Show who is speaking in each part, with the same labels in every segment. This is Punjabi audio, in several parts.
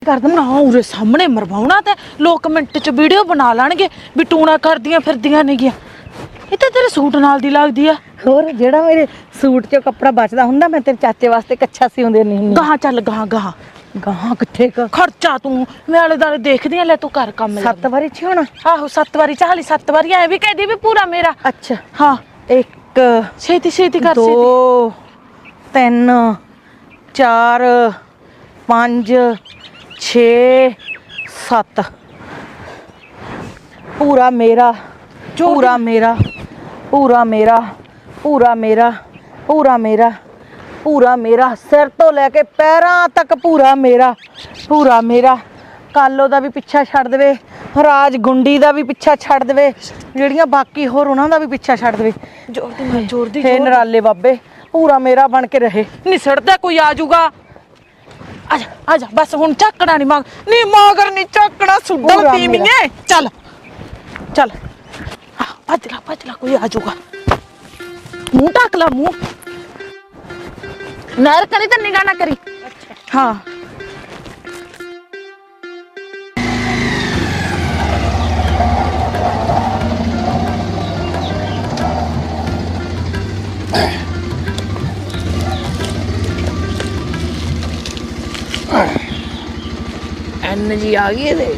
Speaker 1: कर देना उरे सामने मरवाउणा ते लोग मिंट च वीडियो बना लैणगे भी टूणा करदियां फिरदियां नहीं गया ये तो तेरे सूट नाल दी लगदी आ
Speaker 2: ਹੋਰ ਜਿਹੜਾ ਮੇਰੇ ਸੂਟ 'ਚੋਂ ਕੱਪੜਾ ਬਚਦਾ ਹੁੰਦਾ ਮੈਂ ਤੇਰੇ ਚਾਚੇ ਵਾਸਤੇ ਕੱਛਾ ਸਿਉਂਦੇ ਨਹੀਂ ਹੁੰਦੀ
Speaker 1: ਗਾਹਾਂ ਚੱਲ ਗਾਹਾਂ ਗਾਹਾਂ
Speaker 2: ਗਾਹਾਂ ਕਿੱਥੇ ਕ
Speaker 1: ਖਰਚਾ ਤੂੰ ਮੈਂ ਆਲੇ ਦਾਲੇ ਦੇਖਦੀ ਆ ਲੈ ਤੂੰ ਕਰ ਕੰਮ ਲੈ
Speaker 2: 7 ਵਾਰੀ ਛੋਣਾ
Speaker 1: ਆਹੋ 7 ਵਾਰੀ ਚਾਹਲੀ 7 ਵਾਰੀ ਐ ਵੀ ਕਹਦੀ ਵੀ ਪੂਰਾ ਮੇਰਾ
Speaker 2: ਅੱਛਾ
Speaker 1: ਹਾਂ
Speaker 2: 1
Speaker 1: ਛੇਤੀ ਛੇਤੀ ਕਰ
Speaker 2: 2
Speaker 1: ਛੇਤੀ
Speaker 2: 3 4 5 6 7 ਪੂਰਾ ਮੇਰਾ ਪੂਰਾ ਮੇਰਾ ਪੂਰਾ ਮੇਰਾ ਪੂਰਾ ਮੇਰਾ ਪੂਰਾ ਮੇਰਾ ਪੂਰਾ ਮੇਰਾ ਸਿਰ ਤੋਂ ਲੈ ਕੇ ਪੈਰਾਂ ਤੱਕ ਪੂਰਾ ਮੇਰਾ ਕਾਲੋ ਦਾ ਵੀ ਪਿੱਛਾ ਛੱਡ ਦੇਵੇ ਰਾਜ ਗੁੰਡੀ ਦਾ ਵੀ ਪਿੱਛਾ ਛੱਡ ਦੇਵੇ ਜਿਹੜੀਆਂ ਬਾਕੀ ਹੋਰ ਉਹਨਾਂ ਦਾ ਵੀ ਪਿੱਛਾ ਛੱਡ ਦੇਵੇ
Speaker 1: ਜ਼ੋਰ ਦੀ
Speaker 2: ਹੇ ਨਰਾਲੇ ਬਾਬੇ ਪੂਰਾ ਮੇਰਾ ਬਣ ਕੇ ਰਹੇ
Speaker 1: ਨਿਸੜਦਾ ਕੋਈ ਆ ਜਾਊਗਾ ਆ ਜਾ ਬਸ ਹੁਣ ਚੱਕਣਾ ਨਹੀਂ ਨਹੀਂ ਮਗਰ ਨਹੀਂ ਚੱਕਣਾ ਸੁੱਡਲ ਤੀਵੀਏ ਚੱਲ ਚੱਲ ਭੱਜ ਲਾ ਕੋਈ ਆ ਜਾਊਗਾ ਮੂੰਹ ਢੱਕ ਲਾ ਮੂੰਹ ਨਹਿਰ ਕਰੀ ਤਾਂ ਨਿਗਾਹ ਨਾ ਕਰੀ ਹਾਂ
Speaker 3: ਐਨਰਜੀ ਆ ਗਈ ਇਹਦੇ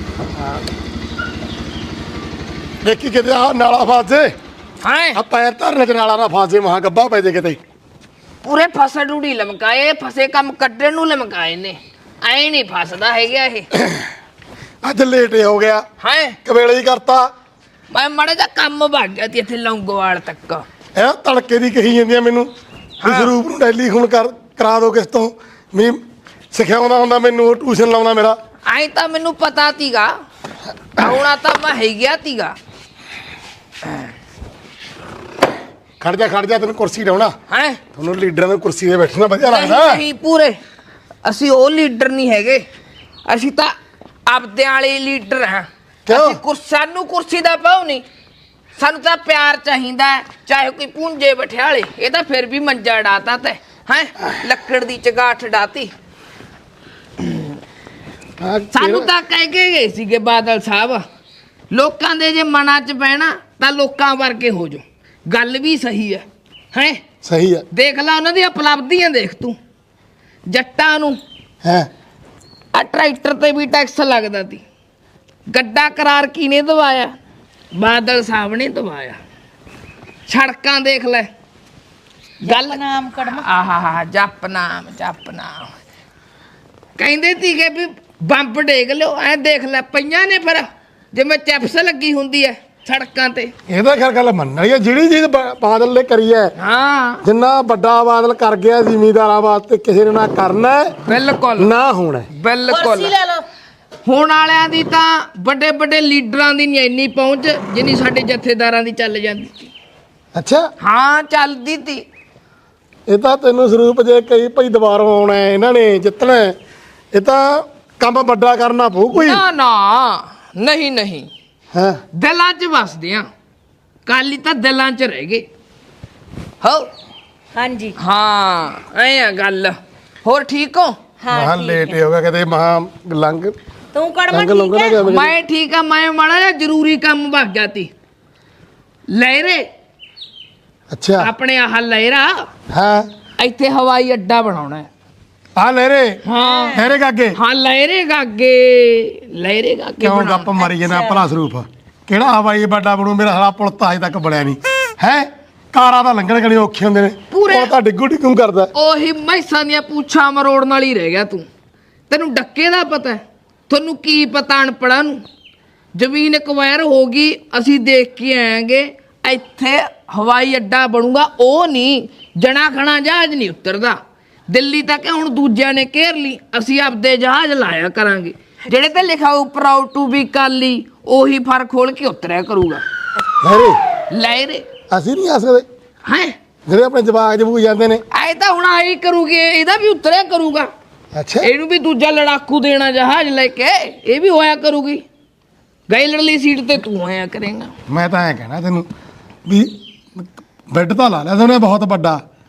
Speaker 4: ਦੇਖੀ ਕਿਤੇ ਆ ਨਾਲਾ ਫਾਸੇ
Speaker 3: ਹਾਂ
Speaker 4: ਆ ਪੈਰ ਧਰਨੇ ਚ ਨਾਲਾ ਨਾ ਫਾਸੇ ਮਹਾ ਗੱਬਾ ਪੈ ਜੇ ਕਿਤੇ
Speaker 3: ਪੂਰੇ ਫਸਾ ਡੂੜੀ ਲਮਕਾਏ ਫਸੇ ਕੰਮ ਕੱਢਣ ਨੂੰ ਲਮਕਾਏ ਨੇ ਐ ਨਹੀਂ ਫਸਦਾ ਹੈਗਾ ਇਹ
Speaker 4: ਅੱਜ ਲੇਟ ਹੋ ਗਿਆ
Speaker 3: ਹਾਂ
Speaker 4: ਕਵੇਲੇ ਹੀ ਕਰਤਾ
Speaker 3: ਮੈਂ ਮਾੜਾ ਜਿਹਾ ਕੰਮ ਵਗ ਗਿਆ ਤੀ ਇੱਥੇ ਲੌਂਗੋਵਾਲ ਤੱਕ
Speaker 4: ਇਹ ਤੜਕੇ ਦੀ ਕਹੀ ਜਾਂਦੀਆਂ ਮੈਨੂੰ ਵੀ ਸਰੂਪ ਨੂੰ ਡੈਲੀ ਹੁਣ ਕਰਾ ਦੋ ਕਿਸ ਤੋਂ ਵੀ ਸਿਖਾਉਂਦਾ ਹੁੰਦਾ ਮੈਨੂੰ ਟਿਊਸ਼ਨ ਲਾਉਂਦਾ ਮੇਰਾ
Speaker 3: ਐ ਤਾਂ ਮੈਨੂੰ ਪਤਾ ਤੀਗਾ ਆਉਣਾ ਤਾਂ ਮੈਂ ਹੈ ਗਿਆ ਤੀਗਾ
Speaker 4: ਖੜ ਜਾ ਤੈਨੂੰ ਕੁਰਸੀ ਲਾਉਣਾ
Speaker 3: ਹੈ
Speaker 4: ਤੁਹਾਨੂੰ ਲੀਡਰਾਂ ਦੀ ਕੁਰਸੀ ਤੇ ਬੈਠਣਾ ਵਧੀਆ ਲੱਗਦਾ
Speaker 3: ਨਹੀਂ ਪੂਰੇ ਅਸੀਂ ਉਹ ਲੀਡਰ ਨਹੀਂ ਹੈਗੇ ਅਸੀਂ ਤਾਂ ਆਪਦਿਆਂ ਵਾਲੇ ਲੀਡਰ ਹਾਂ
Speaker 4: ਕਿਉਂ
Speaker 3: ਸਾਨੂੰ ਕੁਰਸੀ ਦਾ ਪਾਉ ਨਹੀਂ ਸਾਨੂੰ ਤਾਂ ਪਿਆਰ ਚਾਹੀਦਾ ਚਾਹੇ ਕੋਈ ਪੁੰਜੇ ਬਠਿਆਲੇ ਇਹ ਤਾਂ ਫਿਰ ਵੀ ਮੰਜਾ ਡਾਤਾ ਤੇ ਹੈ ਲੱਕੜ ਦੀ ਚਗਾਠ ਡਾਤੀ ਸਾਨੂੰ ਤਾਂ ਕਹਿ ਕੇ ਗਏ ਸੀਗੇ ਬਾਦਲ ਸਾਹਿਬ ਲੋਕਾਂ ਦੇ ਜੇ ਮਨਾਂ 'ਚ ਬਹਿਣਾ ਤਾਂ ਲੋਕਾਂ ਵਰਗੇ ਹੋ ਜਾਓ ਗੱਲ ਵੀ ਸਹੀ ਹੈ ਹੈ
Speaker 4: ਸਹੀ ਹੈ
Speaker 3: ਦੇਖ ਲੈ ਉਹਨਾਂ ਦੀਆਂ ਉਪਲਬਧੀਆਂ ਦੇਖ ਤੂੰ ਜੱਟਾਂ ਨੂੰ
Speaker 4: ਹੈ
Speaker 3: ਆ ਟਰੈਕਟਰ ਤੇ ਵੀ ਟੈਕਸ ਲੱਗਦਾ ਸੀ ਗੱਡਾ ਕਰਾਰ ਕਿਨੇ ਦਵਾਇਆ ਬਾਦਲ ਸਾਹਿਬ ਨੇ ਦਵਾਇਆ ਸੜਕਾਂ ਦੇਖ ਲੈ ਗੱਲ
Speaker 2: ਨਾਮ ਕੜਮ
Speaker 3: ਆਹਾ ਜਪ ਨਾਮ ਕਹਿੰਦੇ ਸੀਗੇ ਵੀ ਬੰਬ ਡੇਗ ਲਿਓ ਐ ਦੇਖ ਲੈ ਪਈਆਂ ਨੇ ਫਿਰ ਜਿਵੇਂ ਚਿਪਸ ਲੱਗੀ ਹੁੰਦੀ ਐ ਸੜਕਾਂ ਤੇ
Speaker 4: ਇਹਦਾ ਖੈਰ ਗੱਲ ਮੰਨ ਵਾਲੀ ਹੈ ਜਿਹੜੀ ਚੀਜ਼ ਬਾਦਲ ਨੇ ਕਰੀ ਹੈ
Speaker 3: ਹਾਂ
Speaker 4: ਜਿੰਨਾ ਵੱਡਾ ਬਾਦਲ ਕਰ ਗਿਆ ਜ਼ਿਮੀਂਦਾਰਾਂ ਵਾਸਤੇ ਕਿਸੇ ਨੇ ਨਾ ਕਰਨਾ
Speaker 3: ਬਿਲਕੁਲ
Speaker 4: ਨਾ ਹੋਣਾ
Speaker 3: ਬਿਲਕੁਲ ਹੁਣ ਵਾਲਿਆਂ ਦੀ ਤਾਂ ਵੱਡੇ ਵੱਡੇ ਲੀਡਰਾਂ ਦੀ ਨਹੀਂ ਇੰਨੀ ਪਹੁੰਚ ਜਿੰਨੀ ਸਾਡੇ ਜਥੇਦਾਰਾਂ ਦੀ ਚੱਲ ਜਾਂਦੀ
Speaker 4: ਅੱਛਾ
Speaker 3: ਹਾਂ ਚੱਲਦੀ ਤੀ
Speaker 4: ਇਹ ਤਾਂ ਤੈਨੂੰ ਸਰੂਪ ਜੇ ਕਈ ਭਾਈ ਦੁਬਾਰਾ ਆਉਣਾ ਇਹਨਾਂ ਨੇ ਜਿੱਤਣਾ ਇਹ ਤਾਂ ਕੰਮ ਵੱਡਾ ਕਰਨਾ ਪਊ ਕੋਈ
Speaker 3: ਨਾ ਨਹੀਂ
Speaker 4: ਹਾਂ
Speaker 3: ਦਿਲਾਂ 'ਚ ਵਸਦੇ ਆ ਕਾਲੀ ਤਾਂ ਦਿਲਾਂ 'ਚ ਰਹਿ ਗਏ ਹੋ
Speaker 2: ਹਾਂਜੀ
Speaker 3: ਹਾਂ ਐ ਆ ਗੱਲ ਹੋਰ ਠੀਕ ਹੋ
Speaker 4: ਮਹਾ ਲੇਟ ਹੋ ਗਿਆ ਕਦੇ ਮਹਾ ਲੰਘ
Speaker 2: ਤੂੰ ਕੜਮ
Speaker 4: ਲੰਘ ਲੰਘ ਨਾ ਜਾਵੇ
Speaker 3: ਮੈਂ ਠੀਕ ਆ ਮੈਂ ਮਾੜਾ ਜਿਹਾ ਜ਼ਰੂਰੀ ਕੰਮ ਵਗ ਗਿਆ ਤੀ ਲਹਿਰੇ
Speaker 4: ਅੱਛਾ
Speaker 3: ਆਪਣੇ ਆਹ ਲਹਿਰਾ
Speaker 4: ਹਾਂ
Speaker 3: ਇੱਥੇ ਹਵਾਈ ਅੱਡਾ ਬਣਾਉਣਾ ਹੈ
Speaker 4: ਆ ਲਹਿਰੇ
Speaker 3: ਹਾਂ
Speaker 4: ਲਹਿਰੇ ਕਾਗੇ
Speaker 3: ਹਾਂ ਲਹਿਰੇ ਗਾਗੇ
Speaker 4: ਕਿਉਂ ਗੱਪ ਮਾਰੀ ਜਨਾ ਭਲਾ ਸਰੂਪ ਕਿਹੜਾ ਹਵਾਈ ਵੱਡਾ ਬਣੂ ਮੇਰਾ ਸਾਲਾ ਪੁਲ ਤਾਂ ਅਜੇ ਤੱਕ ਬਣਿਆ ਨਹੀਂ ਹੈ ਕਾਰਾਂ ਦਾ ਲੰਘਣ ਗਣੇ ਔਖੇ ਹੁੰਦੇ ਨੇ ਉਹ ਤਾਂ ਡਿੱਗੂ ਕਰਦਾ
Speaker 3: ਉਹੀ ਮੈਸਾਂ ਦੀਆਂ ਪੂਛਾਂ ਮਰੋੜਨ ਨਾਲ ਹੀ ਰਹਿ ਗਿਆ ਤੂੰ ਤੈਨੂੰ ਡੱਕੇ ਦਾ ਪਤਾ ਤੁਹਾਨੂੰ ਕੀ ਪਤਾ ਅਨਪੜਾਂ ਨੂੰ ਜ਼ਮੀਨ ਐਕਵਾਇਰ ਹੋ ਗਈ ਅਸੀਂ ਦੇਖ ਕੇ ਆਏਂਗੇ ਇੱਥੇ ਹਵਾਈ ਅੱਡਾ ਬਣੂਗਾ ਉਹ ਨਹੀਂ ਜਣਾ ਖਣਾ ਜਹਾਜ਼ ਨਹੀਂ ਉਤਰਦਾ ਦਿੱਲੀ ਤੱਕ ਹੁਣ ਦੂਜਿਆਂ ਨੇ ਘੇਰ ਲਈ ਅਸੀਂ ਆਪਦੇ ਜਹਾਜ਼ ਲਾਇਆ ਕਰਾਂਗੇ ਜਿਹੜੇ ਤੇ ਲਿਖਾ ਹੋ ਪ੍ਰਾਊਡ ਟੂ ਬੀ ਕਾਲੀ ਉਹੀ ਫਰ ਖੋਲ ਕੇ ਉਤਰਿਆ ਕਰੂਗਾ ਲਹਿਰੇ
Speaker 4: ਅਸੀਂ ਨਹੀਂ ਆ ਸਕਦੇ
Speaker 3: ਹੈ
Speaker 4: ਜਿਹੜੇ ਆਪਣੇ ਜਵਾਕ ਜਬੂ ਜਾਂਦੇ ਨੇ
Speaker 3: ਐ ਤਾਂ ਹੁਣ ਆਈ ਕਰੂਗੀ ਇਹਦਾ ਵੀ ਉਤਰਿਆ ਕਰੂਗਾ
Speaker 4: ਅੱਛਾ
Speaker 3: ਇਹਨੂੰ ਵੀ ਦੂਜਾ ਲੜਾਕੂ ਦੇਣਾ ਜਹਾਜ਼ ਲੈ ਕੇ ਇਹ ਵੀ ਹੋਇਆ ਕਰੂਗੀ ਗਈ ਲੜਲੀ ਸੀਟ ਤੇ ਤੂੰ ਆਇਆ ਕਰੇਗਾ
Speaker 4: ਮੈਂ ਤਾਂ ਐ ਕਹਿਣਾ ਤੈਨੂੰ ਵੀ ਬੈੱਡ ਤਾਂ ਲਾ ਲਿਆ ਉਹਨੇ ਬਹੁਤ ਵੱਡਾ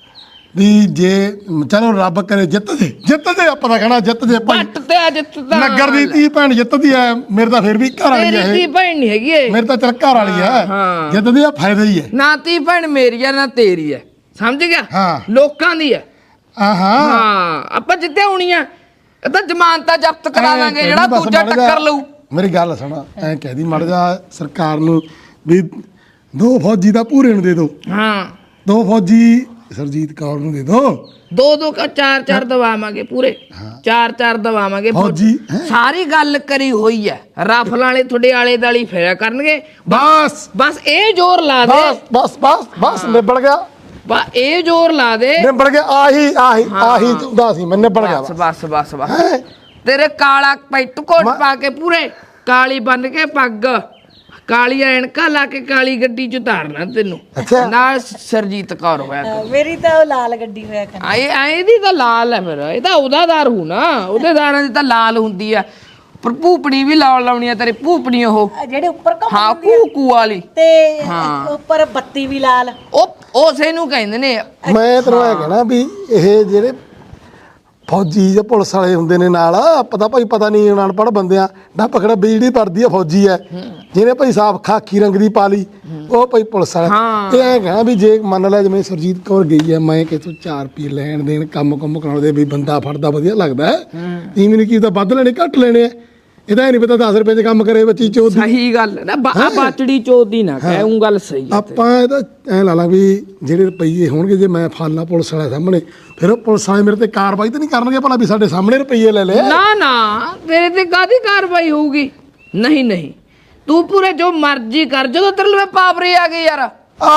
Speaker 4: ਵੀ ਜੇ ਚਲੋ ਰੱਬ ਕਰੇ ਜਿੱਤ ਜੇ ਆਪਾਂ ਤਾਂ ਕਹਿਣਾ ਜਿੱਤ ਜੇ ਭਾਈ
Speaker 3: ਪੱਟ ਤੇ ਅੱਜ ਤਾਂ
Speaker 4: ਨਗਰ ਦੀ ਧੀ ਭੈਣ ਜਿੱਤਦੀ ਐ ਮੇਰੇ ਤਾਂ ਫਿਰ ਵੀ ਘਰ ਵਾਲੀ
Speaker 3: ਤੇਰੀ
Speaker 4: ਐ
Speaker 3: ਧੀ ਭੈਣ ਨਹੀਂ ਹੈਗੀ ਏ
Speaker 4: ਮੇਰੇ ਤਾਂ ਚੱਲ ਘਰ ਵਾਲੀ ਐ
Speaker 3: ਹਾਂ।
Speaker 4: ਜਿੱਤਦੀ ਆ ਫਾਇਦਾ ਹੀ ਐ
Speaker 3: ਨਾ ਧੀ ਭੈਣ ਮੇਰੀ ਆ ਨਾ ਤੇਰੀ ਹੈ ਸਮਝ ਗਿਆ
Speaker 4: ਹਾਂ।
Speaker 3: ਲੋਕਾਂ ਦੀ ਹੈ
Speaker 4: ਆਹਾਂ
Speaker 3: ਹਾਂ ਆਪਾਂ ਜਿੱਤੇ ਹੋਣੀ ਆ ਇਹ ਤਾਂ ਜ਼ਮਾਨਤਾਂ ਜ਼ਬਤ ਕਰਾ
Speaker 4: ਐਂ
Speaker 3: ਦਾਂਗੇ
Speaker 4: ਕਹਿ
Speaker 3: ਜਿਹੜਾ
Speaker 4: ਦੀ ਬਸ
Speaker 3: ਦੂਜਾ
Speaker 4: ਮਾੜਾ ਜਿਹਾ-
Speaker 3: ਟੱਕਰ ਲਊ
Speaker 4: ਮੇਰੀ ਗੱਲ ਸੁਣ ਐ ਕਹਿਦੀ ਮੜ ਜਾ ਸਰਕਾਰ ਨੂੰ ਵੀ 2 ਫੌਜੀ ਦਾ ਪੂਰੇ ਨੂੰ ਦੇ ਦਿਓ
Speaker 3: ਹਾਂ
Speaker 4: 2 ਫੌਜੀ ਸਰਜੀਤ ਕੌਰ ਨੂੰ ਦੇ ਦਿਓ
Speaker 3: 2 ਕਾ 4 ਦਵਾਵਾਂਗੇ ਪੂਰੇ 4 ਦਵਾਵਾਂਗੇ
Speaker 4: ਫੌਜੀ ਹੈਂ?
Speaker 3: ਸਾਰੀ ਗੱਲ ਕਰੀ ਹੋਈ ਹੈ ਰਾਫਲ ਵਾਲੇ ਤੁਹਾਡੇ ਆਲੇ ਦਾਲੀ ਫੇਰਿਆ ਕਰਨਗੇ
Speaker 4: ਬਸ
Speaker 3: ਇਹ ਜ਼ੋਰ ਲਾ ਦੇ
Speaker 4: ਬਸ ਨਿਬੜ ਗਿਆ
Speaker 3: ਬਸ ਇਹ ਜ਼ੋਰ ਲਾ ਦੇ
Speaker 4: ਨਿਬੜ ਗਿਆ ਆਹੀ ਚਾਹੁੰਦਾ ਸੀ ਮੈਂ ਨਿਬੜ ਗਿਆ
Speaker 3: ਬਸ ਤੇਰੇ ਕਾਲਾ ਪੈਂਟ ਕੋਟ ਪਾ ਕੇ ਪੂਰੇ ਕਾਲੀ ਬੰਨ ਕੇ ਪੱਗ ਕਾਲੀ ਐਨਕਾਂ ਲਾ ਕੇ ਕਾਲੀ ਗੱਡੀ ਚ ਉਤਾਰਨਾ ਤੈਨੂੰ
Speaker 4: ਅੱਛਾ।
Speaker 3: ਨਾਲ ਸਰਜੀਤ ਕੌਰ ਹੋਇਆ ਕਰੂ।
Speaker 2: ਮੇਰੀ ਤਾਂ ਉਹ ਲਾਲ ਗੱਡੀ ਹੋਇਆ ਕਰ
Speaker 3: ਇਹਦੀ ਤਾਂ ਲਾਲ ਹੈ ਫਿਰ ਇਹ ਤਾਂ ਉਹਦਾ ਦਾਰ ਹੂ ਨਾ ਉਹਦੇ ਦਾਰਾਂ ਦੀ ਤਾਂ ਲਾਲ ਹੁੰਦੀ ਆ ਪਰ ਭੂਪਣੀ ਵੀ ਲਾਉਣੀ ਆ ਤੇਰੀ ਭੂਪਣੀ ਉਹ
Speaker 2: ਜਿਹੜੇ ਉੱਪਰ
Speaker 3: ਹਾਂ ਕੂਕੂ ਵਾਲੀ
Speaker 2: ਤੇ
Speaker 3: ਹਾਂ।
Speaker 2: ਉੱਪਰ ਬੱਤੀ ਵੀ ਲਾਲ
Speaker 3: ਉਹ ਉਸੇ ਨੂੰ ਕਹਿੰਦੇ ਨੇ
Speaker 4: ਮੈਂ ਤੈਨੂੰ ਇਹ ਕਹਿਣਾ ਵੀ ਇਹ ਜਿਹੜੇ ਫੌਜੀ ਜਾਂ ਪੁਲਿਸ ਵਾਲੇ ਹੁੰਦੇ ਨੇ ਨਾਲ ਪਤਾ ਭਾਈ ਪਤਾ ਨਹੀਂ ਅਨਪੜ੍ਹ ਬੰਦਿਆਂ ਨਾ ਪਕੜਾ ਵੀ ਜਿਹੜੀ ਪੜਦੀ ਆ ਫੌਜੀ ਐ ਜਿਹਨੇ ਭਾਈ ਸਾਫ ਖਾਕੀ ਰੰਗ ਦੀ ਪਾ ਲਈ ਉਹ ਭਾਈ ਪੁਲਿਸ ਵਾਲਾ
Speaker 3: ਹਾਂ।
Speaker 4: ਇਹ ਐ ਕਹਿਣਾ ਵੀ ਜੇ ਮੰਨ ਲੈ ਜਿਵੇਂ ਸਰਜੀਤ ਕੌਰ ਗਈ ਐ ਮੈਂ ਕਿਥੋਂ 4 ਰੁਪਏ ਲੈਣ ਦੇਣ ਕੰਮ ਕਰਾਉਣ ਦੇ ਵੀ ਬੰਦਾ ਫੜਦਾ ਵਧੀਆ ਲੱਗਦਾ ਤੀਵੀਂ ਨੇ ਕੀ ਤਾਂ ਵੱਧ ਲੈਣੇ ਘੱਟ ਲੈਣੇ ਆ ਇਹਦਾ ਨਹੀਂ ਪਤਾ 10 ਰੁਪਏ 'ਚ ਕੰਮ ਕਰੇ ਬੱਚੀ ਚੋਦ
Speaker 3: ਸਹੀ ਗੱਲ ਨਾ ਬਾਚੜੀ ਚੋਦੀ ਨਾ ਕਹਿ ਉਹ ਗੱਲ ਸਹੀ ਹੈ
Speaker 4: ਆਪਾਂ ਇਹਦਾ ਐ ਲਾ ਲਾ ਵੀ ਜਿਹੜੇ ਰੁਪਈਏ ਹੋਣਗੇ ਜੇ ਮੈਂ ਫਾਲਾ ਪੁਲਿਸ ਵਾਲੇ ਸਾਹਮਣੇ ਫਿਰ ਉਹ ਪੁਲਿਸ ਵਾਲੇ ਮੇਰੇ ਤੇ ਕਾਰਵਾਈ ਤਾਂ ਨਹੀਂ ਕਰਨਗੇ ਭਲਾ ਵੀ ਸਾਡੇ ਸਾਹਮਣੇ ਰੁਪਈਏ ਲੈ ਲਏ
Speaker 3: ਨਾ ਤੇਰੇ ਤੇ ਕਾਦੀ ਕਾਰਵਾਈ ਹੋਊਗੀ ਨਹੀਂ ਤੂੰ ਪੂਰੇ ਜੋ ਮਰਜ਼ੀ ਕਰ ਜਦੋਂ ਤੇਰੇ ਲਈ ਪਾਵਰੀ ਆ ਗਈ ਯਾਰ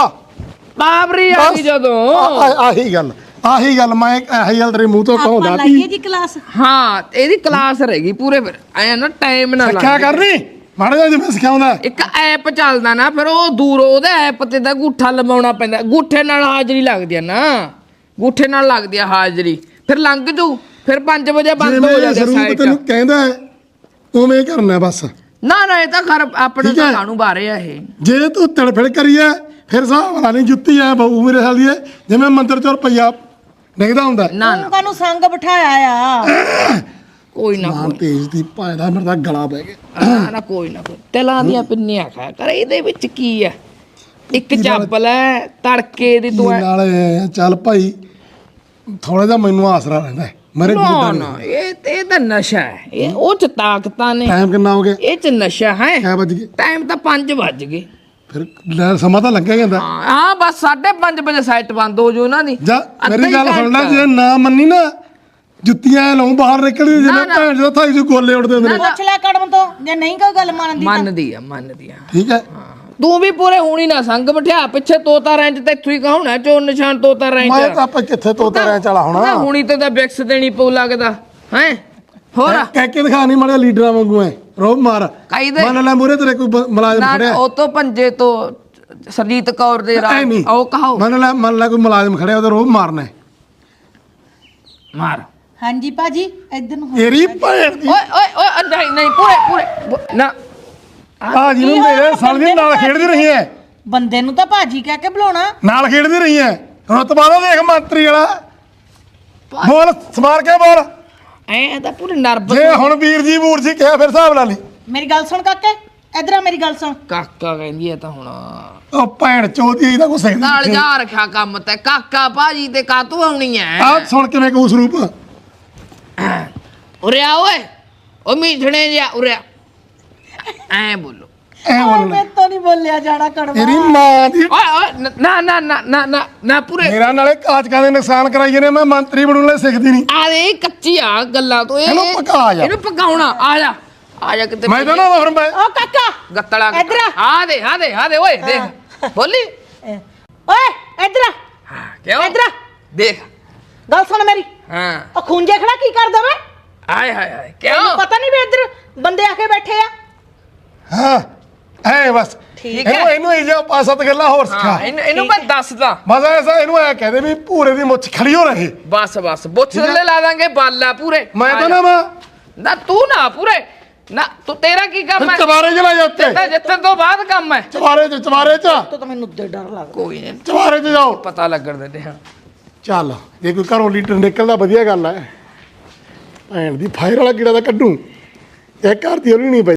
Speaker 3: ਪਾਵਰੀ ਆ ਗਈ ਜਦੋਂ
Speaker 4: ਆਹੀ ਗੱਲ ਮੈਂ ਇਹੀ ਗੱਲ ਤੇਰੇ ਮੂੰਹ ਤੋਂ ਕਹਾਉਂਦਾ
Speaker 2: ਲਾਈਏ ਜੀ ਕਲਾਸ
Speaker 3: ਹਾਂ ਇਹਦੀ ਕਲਾਸ ਰਹੇਗੀ ਪੂਰੇ ਫਿਰ ਐ ਨਾ ਟਾਈਮ ਨਾ
Speaker 4: ਸਿੱਖਿਆ ਕਰਨੀ ਮਾੜਾ ਜਿਹਾ ਜਿਵੇਂ ਸਿਖਾਉਂਦਾ
Speaker 3: ਇੱਕ ਐਪ ਚੱਲਦਾ ਨਾ ਫਿਰ ਉਹ ਦੂਰ ਉਹਦੇ ਐਪ ਤੇ ਤਾਂ ਗੂਠਾ ਲਵਾਉਣਾ ਪੈਂਦਾ ਗੂਠੇ ਨਾਲ ਹਾਜ਼ਰੀ ਲੱਗਦੀ ਆ ਨਾ ਗੂਠੇ ਨਾਲ ਲੱਗਦੀ ਆ ਹਾਜ਼ਰੀ ਫਿਰ ਲੰਘ ਜੂ ਫਿਰ 5 ਵਜੇ ਬੰਦ ਹੋ ਜਾਂਦੀ ਸਾਈਟ
Speaker 4: ਤੈਨੂੰ ਕਹਿੰਦਾ ਉਵੇਂ ਕਰਨਾ ਬਸ
Speaker 3: ਨਾ ਇਹ ਤਾਂ ਖਰ ਆਪਣੇ ਤਾਂ ਕਾਨੂੰ ਬਾਰੇ ਆ ਇਹ
Speaker 4: ਜੇ ਤੂੰ ਤੜਫੜ ਕਰੀਏ ਫਿਰ ਸਾਹ ਵਾਲਾ ਨਹੀਂ ਜੁੱਤੀ ਆ ਬਹੁ ਮੇਰੇ ਹਾਲੀ ਜਿਵੇਂ ਮੰਦਰ ਚੋਂ ਰੁਪਈਆ ਡਿੱਗਦਾ ਹੁੰਦਾ
Speaker 3: ਨਾ
Speaker 2: ਕਾਨੂੰ ਸੰਗ ਬਿਠਾਇਆ ਆ
Speaker 3: ਕੋਈ ਨਾ
Speaker 4: ਮਾਂ ਤੇਜ ਦੀ ਭਾਂਦਾ ਮੇਰਾ ਤਾਂ ਗਲਾ ਪੈ ਗਿਆ
Speaker 3: ਨਾ ਕੋਈ ਤੇਲਾਂ ਦੀਆਂ ਪਿੰਨੀਆਂ ਖਾ ਕਰ ਇਹਦੇ ਵਿੱਚ ਕੀ ਆ ਇੱਕ ਚੱਪਲ ਹੈ ਤੜਕੇ ਦੀ ਤੂੰ
Speaker 4: ਨਾਲ ਚੱਲ ਭਾਈ ਥੋੜਾ ਜਿਹਾ ਮੈਨੂੰ ਆਸਰਾ ਰਹਿੰਦਾ ਮੇਰੇ
Speaker 3: ਨਾ ਇਹ ਤਾਂ ਨਸ਼ਾ ਹੈ ਇਹ ਉਹ ਚ ਤਾਕਤਾਂ ਨੇ
Speaker 4: ਟਾਈਮ ਕਿੰਨਾ ਹੋ ਗਿਆ
Speaker 3: ਇਹ ਚ ਨਸ਼ਾ ਹੈ
Speaker 4: ਕਿੰਨੇ ਵਜ ਗਏ
Speaker 3: ਟਾਈਮ ਤਾਂ 5 ਵੱਜ ਗਏ
Speaker 4: ਫਿਰ ਲੈ ਸਮਾਂ ਤਾਂ ਲੱਗਿਆ ਜਾਂਦਾ
Speaker 3: ਹਾਂ ਬਸ 5:30 ਵਜੇ ਸਾਈਟ ਬੰਦ ਹੋ ਜੂ ਉਹਨਾਂ ਦੀ
Speaker 4: ਜਾ ਮੇਰੀ ਗੱਲ ਸੁਣ ਲੈ ਜੇ ਨਾ ਮੰਨੀ ਨਾ ਜੁੱਤੀਆਂ ਲਾਉਂ ਬਾਹਰ ਨਿਕਲਦੀ ਜਿਵੇਂ ਭੈਣ ਜਦੋਂ ਥਾਈ ਜੋ ਗੋਲੇ ਉੱਡਦੇ ਹੁੰਦੇ ਨੇ
Speaker 2: ਪੁੱਛ ਲੈ ਕੜਮ ਤੋਂ ਜੇ ਨਹੀਂ ਕੋਈ ਗੱਲ ਮੰਨਦੀ
Speaker 3: ਮੰਨਦੀ ਆ
Speaker 4: ਠੀਕ ਹੈ
Speaker 3: ਤੂੰ ਵੀ ਪੂਰੇ ਹੋਣੀ ਨਾ ਸੰਗ ਬਿਠਾ ਪਿੱਛੇ ਤੋਤਾ ਰੈਂਚ ਤੇ ਇੱਥੋਂ ਹੀ ਕਹਾਉਣਾ ਚੋਰ ਨਿਸ਼ਾਨ ਤੋਤਾ ਰੈਂਚ
Speaker 4: ਮੈਂ ਤਾਂ ਆਪਾਂ ਕਿੱਥੇ ਤੋਤਾ ਰਹਿ ਚਲਾ ਹੋਣਾ
Speaker 3: ਹੁਣੀ ਤੇ ਤਾਂ ਬਿਕਸ ਦੇਣੀ ਪਊ ਲੱਗਦਾ ਹੈ ਹੋਰ
Speaker 4: ਕਹਿ ਕੇ ਦਿਖਾ ਨਹੀਂ ਮਾੜਾ ਲੀਡਰਾਂ ਵਾਂਗੂ ਐ ਰੋਬ ਮਾਰ
Speaker 3: ਕਾਇਦੇ
Speaker 4: ਮੰਨ ਲੈ ਮੂਰੇ ਤੇਰੇ ਕੋਈ ਮੁਲਾਜ਼ਮ ਖੜਿਆ
Speaker 3: ਉਹ ਤੋਂ ਪੰਜੇ ਤੋਂ ਸਰਜੀਤ ਕੌਰ ਦੇ ਉਹ ਕਹਾਓ
Speaker 4: ਮੰਨ ਲੈ ਕੋਈ ਮੁਲਾਜ਼ਮ ਖੜਿਆ ਉਹਦਾ ਰੋਬ ਮਾਰਨਾ
Speaker 3: ਮਾਰ
Speaker 2: ਹਾਂਜੀ ਭਾਜੀ ਇੱਧਰ ਨੂੰ
Speaker 4: ਤੇਰੀ ਭੈਣ ਦੀ
Speaker 3: ਓਏ ਨਹੀਂ ਪੂਰੇ ਨਾ
Speaker 4: ਆ ਜਿਹਨੂੰ ਮੇਰੇ ਸਾਲ ਨਾਲ ਖੇਡਦੀ ਰਹੀ ਐ
Speaker 2: ਬੰਦੇ ਨੂੰ ਤਾਂ ਭਾਜੀ ਕਹਿ ਕੇ ਬੁਲਾਉਣਾ
Speaker 4: ਨਾਲ ਖੇਡਦੀ ਰਹੀ ਐ ਰਤਬਾ ਦਾ ਦੇਖ ਮੰਤਰੀ ਵਾਲਾ ਬੋਲ ਸਮਾਰ ਕੇ ਬੋਲ
Speaker 3: ਐ ਤਾਂ ਪੂਰੇ ਨਰਵਸ
Speaker 4: ਜੇ ਹੁਣ ਵੀਰ ਜੀ ਬੂਰ ਜੀ ਕਿਹਾ ਫਿਰ ਹਿਸਾਬ ਲਾ ਲਈ
Speaker 2: ਮੇਰੀ ਗੱਲ ਸੁਣ ਕਾਕੇ ਇੱਧਰ ਆ ਮੇਰੀ ਗੱਲ ਸੁਣ
Speaker 3: ਕਾਕਾ ਕਹਿੰਦੀ ਐ ਤਾਂ ਹੁਣ
Speaker 4: ਉਹ ਭੈਣ ਚੋਦੀ ਇਹਦਾ ਕੁਛ
Speaker 3: ਨਾਲ ਜਾ ਰੱਖਿਆ ਕੰਮ ਤੇ ਕਾਕਾ ਭਾਜੀ ਤੇ ਕਾਤੋਂ ਆਉਣੀ ਐ
Speaker 4: ਆ ਸੁਣ ਕਿਵੇਂ ਕਹੂ ਸਰੂਪ
Speaker 3: ਉਰਿਆ ਓਏ ਉਹ ਮੀਠਣੇ ਜਿਹਾ ਉਰਿਆ ਐ ਬੋਲੋ
Speaker 4: ਐ ਬੋਲ
Speaker 2: ਮੈਂ ਤਾਂ ਨਹੀਂ ਬੋਲਿਆ ਜਾਣਾ ਕੜਵਾ
Speaker 4: ਤੇਰੀ ਮਾਂ ਦੀ
Speaker 3: ਓਏ ਨਾ ਪੂਰੇ
Speaker 4: ਮੇਰਾ ਨਾਲੇ ਕਾਚਕਾਂ ਦੇ ਨੁਕਸਾਨ ਕਰਾਈਏ ਨੇ ਮੈਂ ਮੰਤਰੀ ਬਣਨ ਲਈ ਸਿੱਖਦੀ ਨਹੀਂ
Speaker 3: ਆ ਦੇ ਕੱਚੀ ਆ ਗੱਲਾਂ ਤੋਂ
Speaker 4: ਇਹਨੂੰ ਪਕਾ ਜਾ
Speaker 3: ਇਹਨੂੰ ਪਕਾਉਣਾ ਆ ਜਾ ਕਿਤੇ
Speaker 4: ਮੈਂ ਤਾਂ ਨਾ ਫਿਰ ਮੈਂ
Speaker 2: ਓ ਕਾਕਾ
Speaker 3: ਗੱਤਲਾ
Speaker 2: ਇੱਧਰ
Speaker 3: ਆ ਦੇ ਓਏ ਦੇਖ ਬੋਲੀ
Speaker 2: ਓਏ ਇੱਧਰ ਆ
Speaker 3: ਹਾਂ ਕਿਉਂ
Speaker 2: ਇੱਧਰ ਆ
Speaker 3: ਦੇਖ
Speaker 2: ਗੱਲ ਸੁਣ ਮੇਰੀ
Speaker 3: ਹਾਂ
Speaker 2: ਉਹ ਖੂੰਜੇ ਖੜਾ ਕੀ ਕਰਦਾ ਵੇ
Speaker 3: ਹਾਏ
Speaker 2: ਤੈਨੂੰ
Speaker 3: ਕਿਉਂ
Speaker 2: ਪਤਾ ਨਹੀਂ ਵੀ ਇੱਧਰ ਬੰਦੇ ਆ ਕੇ ਬੈਠੇ ਆ
Speaker 4: ਹਾਂ ਐ ਬਸ
Speaker 3: ਠੀਕ ਹੈ
Speaker 4: ਇਹਨੂੰ ਇਹ ਜਿਹਾ ਪੰਜ ਸੱਤ ਗੱਲਾਂ ਹੋਰ ਸਿਖਾ
Speaker 3: ਇਹਨੂੰ ਮੈਂ ਦੱਸਦਾ
Speaker 4: ਬਸ ਐਸਾ ਇਹਨੂੰ ਐ ਕਹਦੇ ਵੀ ਭੂਰੇ ਦੀ ਮੁੱਛ ਖੜੀ ਹੋ ਰਹੇ
Speaker 3: ਬਸ ਬੁੱਛ ਥੱਲੇ ਲਾ ਦਾਂਗੇ ਬਾਲਾ ਪੂਰੇ
Speaker 4: ਮੈਂ ਤਾਂ ਨਾ ਮਾਂ
Speaker 3: ਨਾ ਤੂੰ ਨਾ ਪੂਰੇ ਨਾ ਤੂੰ ਤੇਰਾ ਕੀ ਕੰਮ ਹੈ
Speaker 4: ਚਵਾਰੇ ਚ ਲੈ ਜਾਂਦੇ
Speaker 3: ਜਿੱਤਣ ਤੋਂ ਬਾਅਦ ਕੰਮ ਹੈ
Speaker 4: ਚਵਾਰੇ ਚ
Speaker 2: ਤਾਂ ਮੈਨੂੰ ਉੱਤੇ ਡਰ ਲੱਗਦਾ
Speaker 3: ਕੋਈ ਨਹੀਂ
Speaker 4: ਚਵਾਰੇ ਚ ਜਾਓ
Speaker 3: ਪਤਾ ਲੱਗਣ ਦਿੰਦੇ ਹਾਂ
Speaker 4: ਚੱਲ ਜੇ ਕੋਈ ਘਰੋਂ ਲੀਟਰ ਨਿਕਲਦਾ ਵਧੀਆ ਗੱਲ ਹੈ। ਭੈਣ ਦੀ ਫਾਇਰ ਵਾਲਾ ਕੀੜਾ ਤਾਂ ਕੱਢੂ ਇਹ ਘਰ ਦੀ ਉਹਲੀ ਨਹੀਂ ਪਈ।